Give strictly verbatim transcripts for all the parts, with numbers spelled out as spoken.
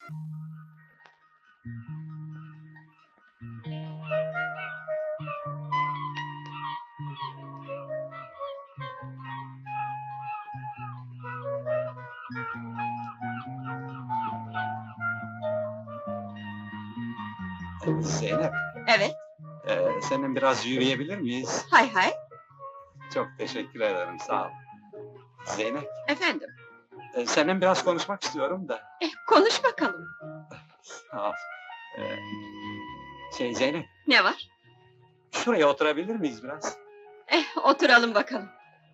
Zeynep, Evet, eee, seninle biraz yürüyebilir miyiz? hay hay, Çok teşekkür ederim, sağ ol. Zeynep, efendim. eee, seninle biraz konuşmak istiyorum da. Eh, konuş bakalım. Sağ ol. Eee, şey Zeynep, Ne var? şuraya oturabilir miyiz biraz? Eh, oturalım bakalım.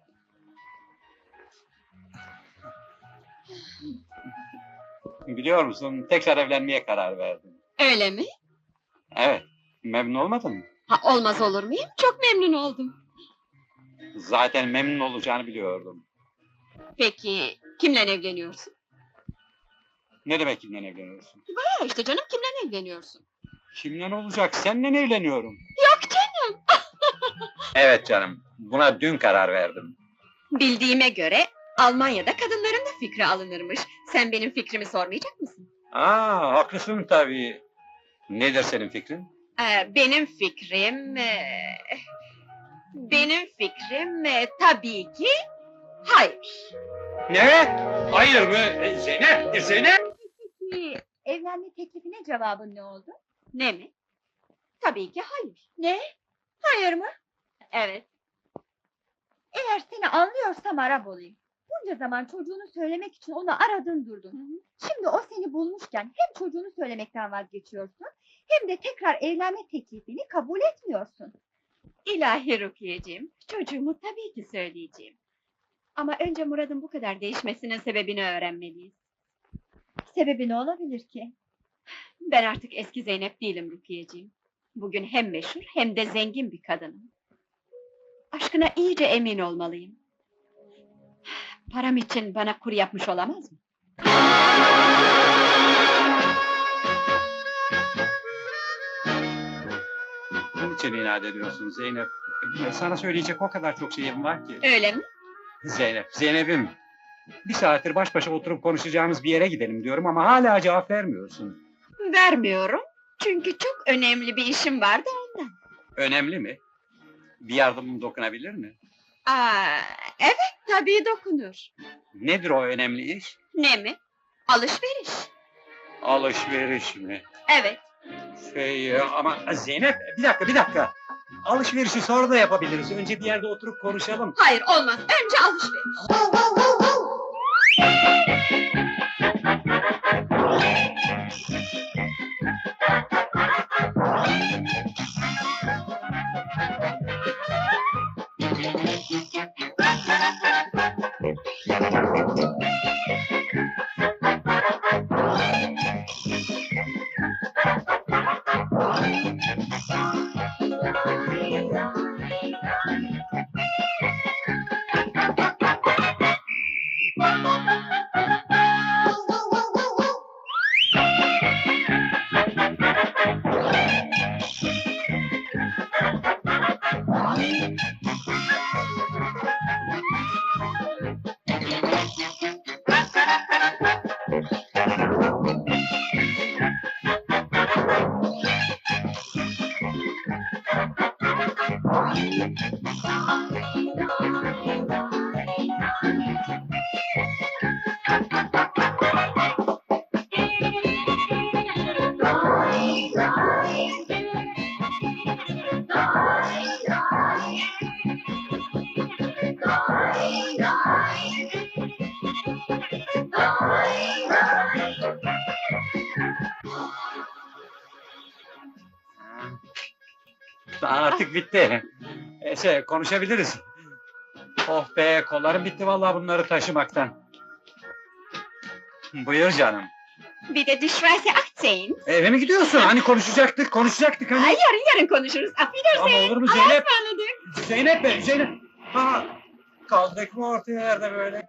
Biliyor musun, tekrar evlenmeye karar verdim. Öyle mi? Evet, memnun olmadın mı? Ha, olmaz olur muyum? Çok memnun oldum. Zaten memnun olacağını biliyordum. Peki, kimle evleniyorsun? Ne demek kimle evleniyorsun? Ha, işte canım, kimle evleniyorsun? Kimle olacak? Seninle evleniyorum. Yok canım! Evet canım, buna dün karar verdim. Bildiğime göre, Almanya'da kadınların da fikri alınırmış. Sen benim fikrimi sormayacak mısın? Aa, haklısın tabii. Nedir senin fikrin? Ee, benim fikrim... eee, benim fikrim, eee, tabii ki... hayır. Ne? Hayır mı? E, Zeynep, e, Zeynep! Peki, evlenme teklifine cevabın ne oldu? Ne mi? Tabii ki hayır. Ne? Hayır mı? Evet. Eğer seni anlıyorsam Arap olayım. Bunca zaman çocuğunu söylemek için onu aradın durdun. Şimdi o seni bulmuşken hem çocuğunu söylemekten vazgeçiyorsun... ...hem de tekrar evlenme teklifini kabul etmiyorsun. İlahi Rukiye'ciğim, çocuğumu tabii ki söyleyeceğim. Ama önce Murat'ın bu kadar değişmesinin sebebini öğrenmeliyiz. Sebebi ne olabilir ki? Ben artık eski Zeynep değilim Rukiye'ciğim. Bugün hem meşhur hem de zengin bir kadınım. Aşkına iyice emin olmalıyım. Param için bana kur yapmış olamaz mı? Bunun için inat ediyorsun Zeynep. E, Sana söyleyecek o kadar çok şeyim var ki. Öyle mi? Zeynep, Zeynep'im. Bir saattir baş başa oturup konuşacağımız bir yere gidelim diyorum ama hala cevap vermiyorsun. Vermiyorum. Çünkü çok önemli bir işim vardı ondan. Önemli mi? Bir yardımım dokunabilir mi? Aa, evet tabii dokunur. Nedir o önemli iş? Ne mi? Alışveriş. Alışveriş mi? Evet. Şey ama Zeynep, bir dakika, bir dakika. Alışverişi sonra da yapabiliriz. Önce bir yerde oturup konuşalım. Hayır olmaz. Önce alışveriş. Artık bitti. E, şey, konuşabiliriz. Oh be, kollarım bitti vallahi bunları taşımaktan. Buyur canım. Bir de Düşverse Akçeyin. Eve mi gidiyorsun? Hani konuşacaktık, konuşacaktık hani. Ay yarın yarın konuşuruz. Affedersin. Ama olur mu Allah'a Zeynep? ısmarladık. Zeynep be, Zeynep! Ha, kaldık mı ortaya yerde böyle?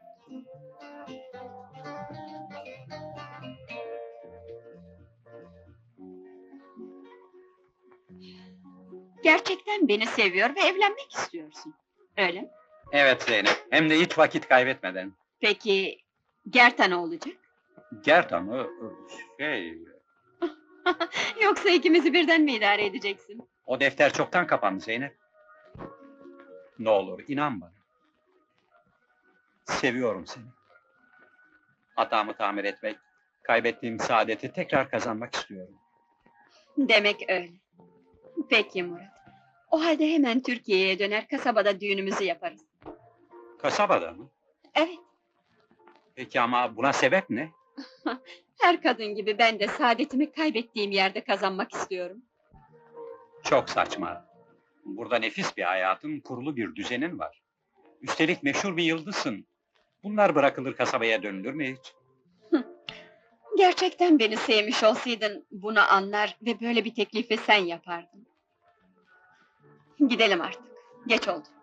Gerçekten beni seviyor ve evlenmek istiyorsun. Öyle mi? Evet Zeynep, hem de hiç vakit kaybetmeden. Peki Gerta ne olacak? Gerdan'ı şey... Yoksa ikimizi birden mi idare edeceksin? O defter çoktan kapandı Zeynep. Ne olur inan bana. Seviyorum seni. Hatamı tamir etmek, kaybettiğim saadeti tekrar kazanmak istiyorum. Demek öyle. Peki Murat. O halde hemen Türkiye'ye döner, kasabada düğünümüzü yaparız. Kasabada mı? Evet, Peki ama buna sebep ne? her kadın gibi ben de saadetimi kaybettiğim yerde kazanmak istiyorum. Çok saçma. Burada nefis bir hayatın, kurulu bir düzenin var. Üstelik meşhur bir yıldızsın. Bunlar bırakılır kasabaya dönülür mü hiç? Gerçekten beni sevmiş olsaydın bunu anlar ve böyle bir teklifi sen yapardın. Gidelim artık. Geç oldu.